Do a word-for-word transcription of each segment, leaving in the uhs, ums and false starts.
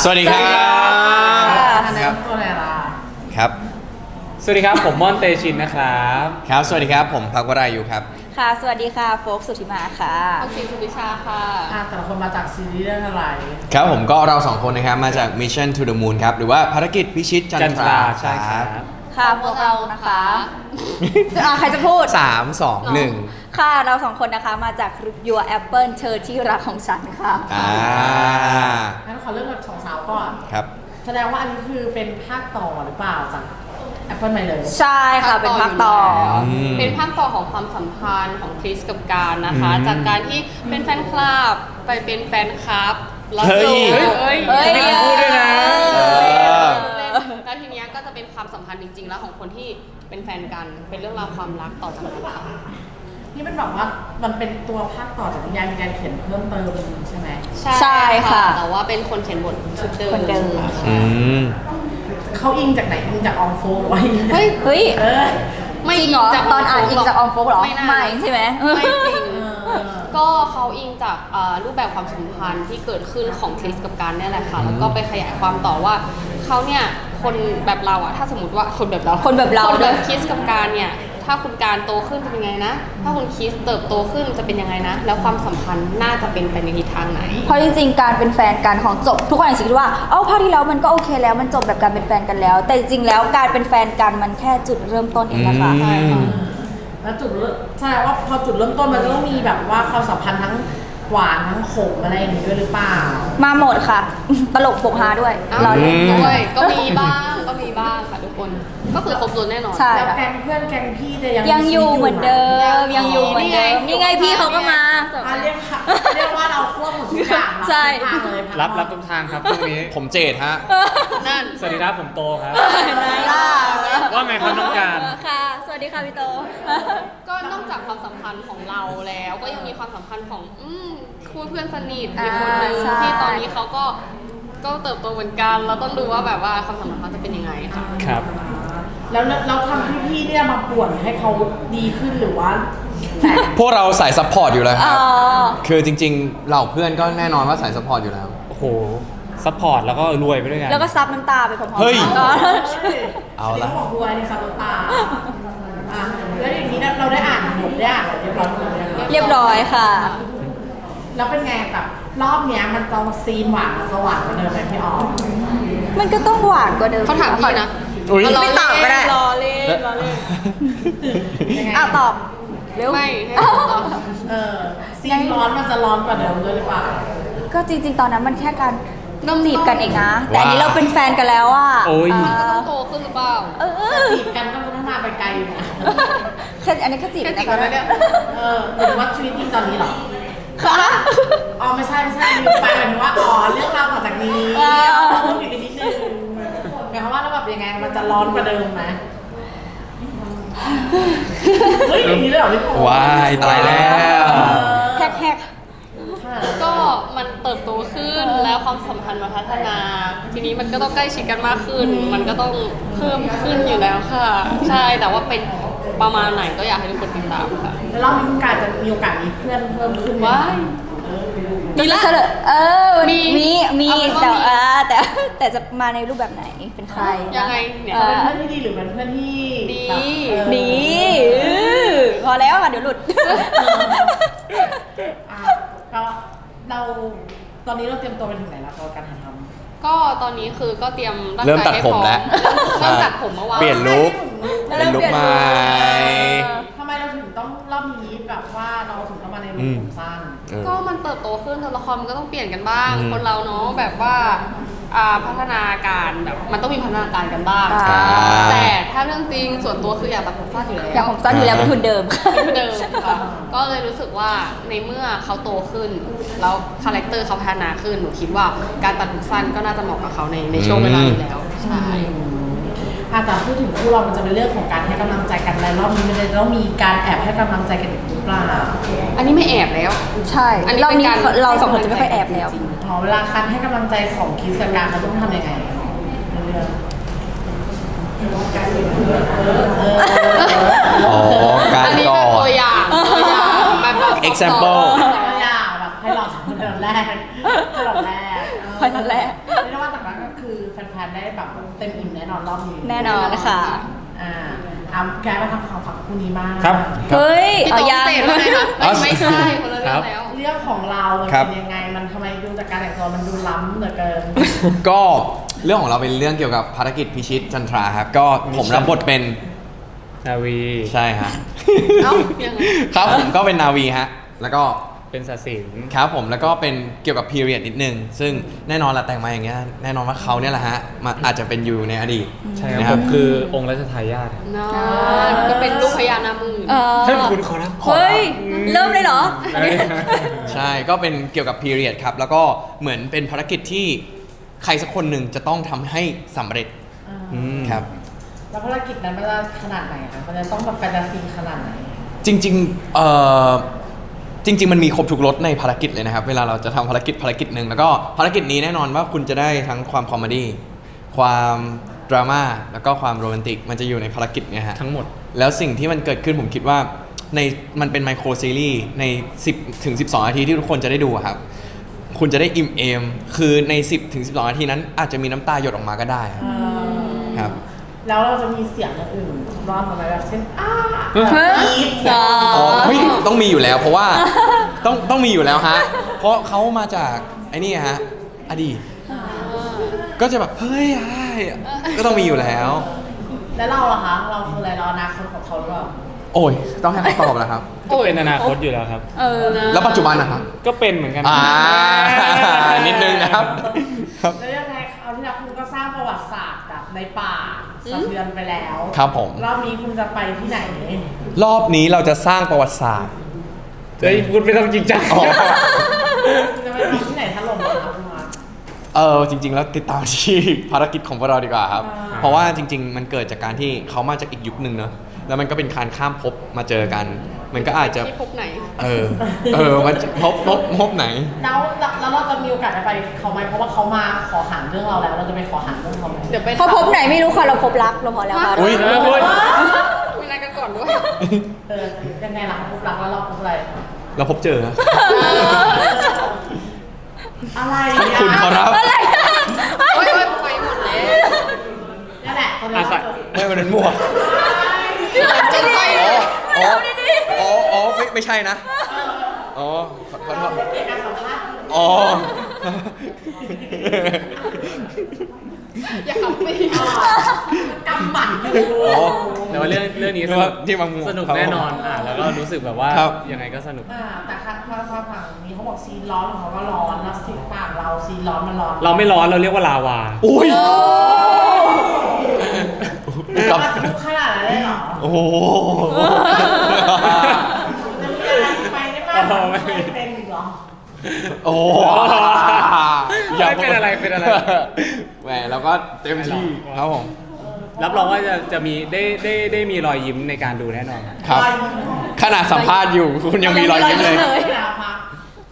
สวัสดีครับครับตัวอะไรล่ะครับสวัสดีครับผมม่อนเตชินนะครับครับสวัสดีครับผมพักวรายุครับค่ะสวัสดีค่ะโฟกสุธิมาค่ะออมสินสุวิชาค่ะแต่ละคนมาจากซีรีส์เรื่องอะไรครับผมก็เราสองคนนะครับมาจาก Mission to the Moon ครับหรือว่าภารกิจพิชิตจันทราใช่ครับค่ะพวกเรานะคะอ่ะใครจะพูดสามสองหนึ่งค่ะเราสองคนนะคะมาจาก Your Apple เธอที่รักของฉันค่ะอ่างั้นขอเริ่มกับสองสาวก่อนครับแสดงว่าอันนี้คือเป็นภาคต่อหรือเปล่าจาก Apple ใหม่เลยใช่ค่ะเป็นภาคต่อเป็นภาคต่อของความสัมพันธ์ของคริสกับการนะคะจากการที่เป็นแฟนคลับไปเป็นแฟนคลับแล้วเฮ้ยเฮ้ยไม่พูดด้วยนะแล้วทีนี้ก็จะเป็นความสัมพันธ์จริงๆแล้วของคนที่เป็นแฟนกันเป็นเรื่องราวความรักต่อจากนั้นค่ะนี่เป็นแบบว่ามันเป็นตัวภาคต่อจากนิยายมีการเขียนเพิ่มเติมใช่ไหมใช่ค่ะแต่ว่าเป็นคนเขียนบทชุดเดิมเขาอิงจากไหนอิงจากออมโฟไว้เฮ้ยเฮ้ยไม่จริงเหรอตอนอ่านอิงจากออมโฟกเหรอไม่ใช่ไหมไม่จริงก็เขาอิงจากรูปแบบความสัมพันธ์ที่เกิดขึ้นของคริสกับการนี่แหละค่ะแล้วก็ไปขยายความต่อว่าเขาเนี่ยคนแบบเราอะถ้าสมมติว่าคนแบบเราคนแบบเราคนแบบคริสกับการเนี่ยถ้าคุณการโตขึ้นจะเป็นยังไงนะถ้าคุณคริสเติบโตขึ้นจะเป็นยังไงนะแล้วความสัมพันธ์น่าจะเป็นไปในทิศทางไหนเพราะจริงๆการเป็นแฟนกันของจบทุกคนอาจจะคิดว่าเอ้าภาคที่แล้วมันก็โอเคแล้วมันจบแบบการเป็นแฟนกันแล้วแต่จริงๆแล้วการเป็นแฟนกันมันแค่จุดเริ่มต้นเองนะคะใช่ค่ะแล้วจุดใช่ว่าพอจุดเริ่มต้นมันจะต้องมีแบบว่าความสัมพันธ์ทั้งหวานทั้งขมอะไรอย่างนี้ด้วยหรือเปล่ามาหมดค่ะตลกปกฮาด้วยเราด้วยก็มีบ้างก็มีบ้างค่ะทุกคนก็คือครบรถแน่นอนแล้วแก๊งเพื่อนแก๊งพี่จะยังยังอยู่เหมือนเดิมยังอยู่เหมือนเดิมนี่ไงพี่เขาก็มาเรียกเรียกว่าเราควบหมดทุกอย่างใช่รับรับทุกทางครับพรุ่งนี้ผมเจดฮะนั่นสวัสดีครับผมโตครับไหนล่ะว่าไงครับน้องการค่ะสวัสดีค่ะพี่โตก็นอกจากความสัมพันธ์ของเราแล้วก็ยังมีความสัมพันธ์ของอืมคู่เพื่อนสนิทอีกคนนึงที่ตอนนี้เขาก็ก็เติบโตเหมือนกันเราต้องดูว่าแบบว่าความสัมพันธ์เขาจะเป็นยังไงค่ะครับแล้วเราทำพี่ๆเนี่ยมาป่วนให้เขาดีขึ้นหรือว่าพวกเราสายซัพพอร์ตอยู่แล้วครับคือจริงๆเหล่าเพื่อนก็แน่นอนว่าสายซัพพอร์ตอยู่แล้วโอ้โหซัพพอร์ตแล้วก็รวยไปด้วยกันแล้วก็ซับน้ำตาไปพร้อมๆเฮ้ยเอาละบอกรวยในซับน้ำตาแล้วอย่างนี้เราได้อ่านบทได้อ่านเรียบร้อยเรียบร้อยค่ะแล้วเป็นไงแบบรอบเนี้ยมันจะซีนหวานสว่างกว่าเดิมไหมพี่ออมมันก็ต้องหวานกว่าเดิมเขาถามพี่นะไม่ตอบก็ได้รอเล่นรอเล่นอ้าวตอบเร็วไม่ให้ตอบเออซีนร้อนมันจะร้อนกว่าเดิมด้วยหรือเปล่าก็จริงๆตอนนั้นมันแค่การจีบกันเองนะแต่อันนี้เราเป็นแฟนกันแล้วอ่ะโอ้ยก็ต้องโตขึ้นหรือเปล่าเออจีบกันก็พัฒนาไปไกลอยู่นะแค่อันนี้แค่จีบกันนะเนี่ยเออหรือว่าชีวิตจริงตอนนี้หรอค่ะอ๋อไม่ใช่ไม่ใช่ลืมไปหมายถึงว่าอ๋อเรื่องราวต่อจากนี้ต้องอยู่กันนิดนึงหมายความว่าแล้วแบบยังไงมันจะร้อนกว่าเดิมไหมเฮ้ยอย่างนี้เลยเหรอพี่โว้ายตายแล้วแฮกแฮกก็มันเติบโตขึ้นแล้วความสัมพันธ์มันพัฒนาทีนี้มันก็ต้องใกล้ชิดกันมากขึ้นมันก็ต้องเพิ่มขึ้นอยู่แล้วค่ะใช่แต่ว่าเป็นประมาณไหนก็อยากให้ทุกคนติดตามค่ะแล้วรอบนี้การจะมีโอกาสมีเพื่อนเพิ่มขึ้นไหมมีละเออมีมีมีแต่แต่แต่จะมาในรูปแบบไหนเป็นใครยังไงเนี่ยเป็นเพื่อนที่ดีหรือเป็นเพื่อนที่ดีดีพอแล้วค่ะเดี๋ยวหลุดก็เราตอนนี้เราเตรียมตัวไปถึงไหนแล้วกับการถ่ายทำก็ตอนนี้คือก็เตรียมเริ่มตัดผมแล้วเริ่มตัดผมเมื่อวานเปลี่ยนลุคเป็นลุคใหม่ทำไมเราถึงต้องรอบนี้แบบว่าเราถึงต้องมาในลุคผมสั้นก็มันเติบโตขึ้นตัวละครมันก็ต้องเปลี่ยนกันบ้างคนเราเนาะแบบว่าพัฒนาการแบบมันต้องมีพัฒนาการกันบ้างแต่ถ้าเรื่องจริงส่วนตัวคืออยากตัดผมสั้นอยู่แล้วอยากผมสั้นอยู่แล้วเป็นทุนเดิมเป็นทุนเดิมค่ะก็เลยรู้สึกว่าในเมื่อเขาโตขึ้นแล้วคาแรคเตอร์เขาพัฒนาขึ้นหนูคิดว่าการตัดผมสั้นก็น่าจะเหมาะกับเขาในในช่วงเวลานี้แล้วใช่แต่พูดถึงคู่เรามันจะเป็นเรื่องของการให้กำลังใจกันในรอบนี้มันจะต้องมีการแอบให้กำลังใจกันหรือเปล่าอันนี้ไม่แอบแล้วใช่อันนี้รอบนี้เราสองคนจะไม่ค่อยแอบแล้วพอเวลาการให้กำลังใจของคิสกับการเขาต้องทำยังไงอ๋อการกอดตัวอย่างตัวอย่างแบบ example ตัวอย่างแบบให้เราทำคนแรกให้เราแรกให้เราแรกไม่ว่าจะๆได้แบบเต็มอิ่มแน่นอนรอบนี้แน่นอนค่ะอ่าอ่ะแกมาทำข่าวฝั่งคู่นี้มากครับเฮ้ยพี่เอาโต๊ะยังเจ็ดแล้วไงคะไม่ไม่ใช่คนละเรื่องแล้วเรื่องของเรามันครับเป็นยังไงมันทำไมดูจากการแต่งตัวมันดูล้ำเหลือเกินก็เรื่องของเราเป็นเรื่องเกี่ยวกับภารกิจพิชิตจันทราครับ ก็ผมรับบทเป็นนาวีใช่ฮะเอ้ายังไงครับผมก็เป็นนาวีฮะ แล้วก็เป็นศาสินครับผมแล้วก็เป็นเกี่ยวกับพีเรียดนิดนึง ซึ่งแน่นอนละแต่งมาอย่างเงี้ยแน่นอนว่าเขาเนี่ยแหละฮะมาอาจจะเป็นอยู่ในอดีตใช่นะคครัรับบ คือองค์รัชทายาทครับนอนก็เป็นลูกพญานาคหมื่นเออท่านคุณขอรับเฮ้ย เริ่มเลยเหรอใช่ก็เป็นเกี่ยวกับพีเรียดครับ แล้วก็เหมือนเป็นภารกิจที่ใครสักคนหนึ่งจะต้องทำให้สำเร็จอืมครับแล้วภารกิจนั้นมันจะขนาดไหนคะมันจะต้องแบบแฟนตาซีขนาดไหนจริงๆเอ่อจริง ๆ มันมีครบทุกรสในภารกิจเลยนะครับ เวลาเราจะทำภารกิจภารกิจหนึ่งแล้วก็ภารกิจนี้แน่นอนว่าคุณจะได้ทั้งความคอมเมดี้ความดราม่าแล้วก็ความโรแมนติกมันจะอยู่ในภารกิจเนี่ยฮะทั้งหมดแล้วสิ่งที่มันเกิดขึ้นผมคิดว่าในมันเป็นไมโครซีรีส์ใน สิบถึงสิบสอง นาทีที่ทุกคนจะได้ดูอะครับ คุณจะได้อิ่มเอม คือใน สิบถึงสิบสอง นาทีนั้นอาจจะมีน้ำตาหยดออกมาก็ได้ครับครับแล้วเราจะมีเสียงอย่างอื่นรอดมาไหมแบบเช่นอ้าเฮ้ยแบบกรี๊ดเสียงอ๋อเฮ้ยต้องมีอยู่แล้วเพราะว่าต้องต้องมีอยู่แล้วฮะ เพราะเขามาจากไอ้นี่ฮะอดีตก็จะแบบเฮ้ยไอ้ก็ต้องมีอยู่แล้วแล้วเราล่ะคะ เราคืออะไรเราอนาคตของเขาหรือเปล่าโอ้ยต้องให้เขาตอบแล้วครับก็เป็นอนาคตอยู่แล้วครับเออแล้วปัจจุบันนะครับก็เป็นเหมือนกันอ่า นิดนึงนะครับครับแล้วยังไงคราวที่แล้วคุณก็สร้างประวัติศาสตร์แบบในป่าสะเทือนไปแล้วครับผมรอบนี้คุณจะไปที่ไหนรอบนี้เราจะสร้างประวัติศาสตร์เฮ้ยพูดไม่ต้องจริงจังอ๋อคุณจะไปทำที่ไหนถล่มเหรอครับคุณมาเออจริง ๆ แล้วติดตามที่ ภารกิจของพวกเราดีกว่าครับอ่าเพราะว่าจริง ๆ มันเกิดจากการที่เขามาจากอีกยุคหนึ่งเนอะแล้วมันก็เป็นการข้ามภพมาเจอกัน มันก็อาจจะที่พบไหนเออ เออ มันจะพบพบพบไหนแล้วแล้วเราจะมีโอกาสได้ไปเขาไหมเพราะว่าเขามาขอหันเรื่องเราแล้ว เราจะไปขอหันเรื่องเขาไหมเดี๋ยวไปเขาพบไหนไม่รู้ค่ะ เราพบรักเราพอแล้วค่ะอุ๊ยเออเฮ้ยไม่นัดกันก่อนด้วยเออยังไงล่ะคะพบรักแล้วเราพบอะไรเราพบเจอนะอะไรขอบคุณขอรับอะไรโอ๊ยโอ๊ยไปหมดแล้วนี่นแหละตอนนี้อาศัยไม่มันเป็นมั่วจนใจอ๋อ อ๋อ อ๋อ ไม่ ไม่ใช่นะ อ๋อ ขอขอโทษเกี่ยวกับสัมภาษณ์อ๋ออย่าขับไปกำหมัดอยู่อ๋อแต่ว่าเรื่องเรื่องนี้สนึกนุว่าก ที่บางมุมสนุกครับแน่นอนอ่ะแล้วก็รู้สึกแบบว่าครับยังไงก็สนุกอ่าแต่ค่ะพอพอฝั่งนี้เขาบอกซีนร้อนของเขาก็ร้อนแล้วซีนฝั่งเราซีนร้อนมันร้อนเราไม่ร้อนเราเรียกว่าลาวาอุ้ยกับมันทุกขนาดนั้นเลยเหรอโอ้โหจะมีอะไรไปได้บ้างอ๋อไม่มีไม่เป็นอีกเหรอโอ้ไม่เป็นอะไรเป็นอะไรแหมเราก็เต็มที่ครับผมรับรองว่าจะจะมีได้ได้ได้มีรอยยิ้มในการดูแน่นอนครับครับ ขนาดสัมภาษณ์อยู่คุณยังมีรอยยิ้มเลยไม่ได้พัก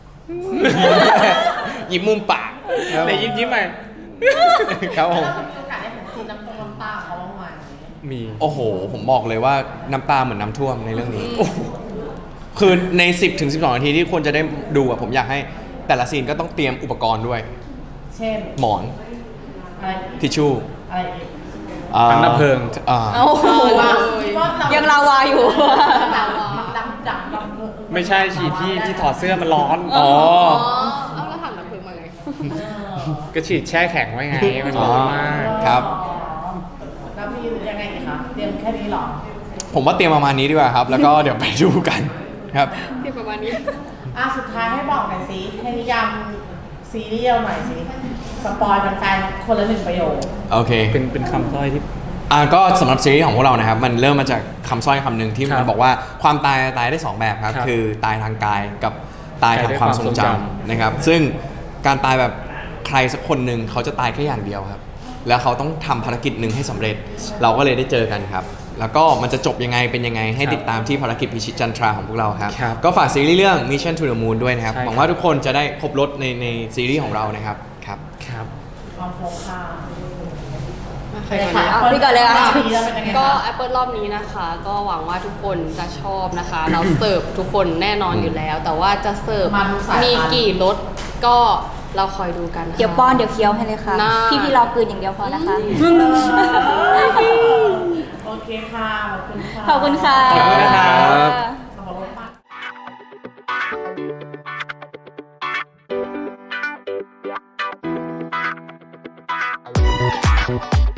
ยิ้มมุมปากแต่ยิ้มยิ้มไปครับผมแล้วมีโอกาสได้เห็นซีนน้ำตรงน้ำตาเขาบ้างไหมมีโอ้โห ผมบอกเลยว่าน้ำตาเหมือนน้ำท่วมในเรื่องนี้ คือใน สิบถึงสิบสอง นาทีที่ควรจะได้ดูอะผมอยากให้แต่ละซีนก็ต้องเตรียมอุปกรณ์ด้วยเช่นหมอนอะไรอีกทิชชู่อะไรอีกอ่าถังดับเพลิงอ่าโอ้โหว่าคิดว่าเรายังลาวาอยู่ดำดำดำดำไม่ใช่ฉีดที่ที่ถอดเสื้อมันร้อนอ๋ออ๋อ เอาแล้วถังดับเพลิงมาไงก็ฉีดแช่แข็งไว้ไง มันร้อนมากครับแล้วมียังไงอีกคะเตรียมแค่นี้เหรอผมว่าเตรียมประมาณนี้ดีกว่าครับ แล้วก็เดี๋ยวไปดูกันครับที่ประมาณนี้อ่ะสุดท้ายให้บอกหน่อยสิให้นิยามซีรีส์เราหน่อยสิสปอยแฟนๆคนละหนึ่งประโยคโอเคเป็นเป็นคำต้อยที่อ่าก็สำหรับซีรีส์ของพวกเรานะครับ มันเริ่มมาจากคำสร้อยคำหนึ่งที่ครัมันบบอกว่าความตายตายได้สองแบบครับครับคือตายทางกายกับตายทางความทรงจำตายด้วยความทรงจำนะครับ ซึ่งการตายแบบใครสักคนหนึ่งเขาจะตายแค่อย่างเดียวครับ แล้วเขาต้องทำภารกิจหนึ่งให้สำเร็จ เราก็เลยได้เจอกันครับ แล้วก็มันจะจบยังไงเป็นยังไงให้ติดตามที่ภารกิจพิชิตจันทราของพวกเราครับครับก็ฝากซีรีส์เรื่อง Mission to the Moon ด้วยนะครับใช่ครับหวังว่าทุกคนจะได้ครบรถในในซีรีส์ของเรานะครับครับครับความโฟกัสใครก่อนเอาพี่ก่อนเลยอะดีแล้วเป็นยังไงก็คะ Apple รอบนี้นะคะ ก็หวังว่าทุกคนจะชอบนะคะ เราเสิร์ฟทุกคนแน่นอนอยู่แล้ว แต่ว่าจะเสิร์ฟมาทุกสายพันธุ์มีกี่รสก็เราคอยดูกันค่ะเดี๋ยวป้อนเดี๋ยวเคี้ยวให้เลยค่ะน่าพี่พี่รอกลืนอย่างเดียวพอนะคะโอเคค่ะ ขอบคุณค่ะขอบคุณค่ะขอบคุณนะครับขอบคุณค่ะ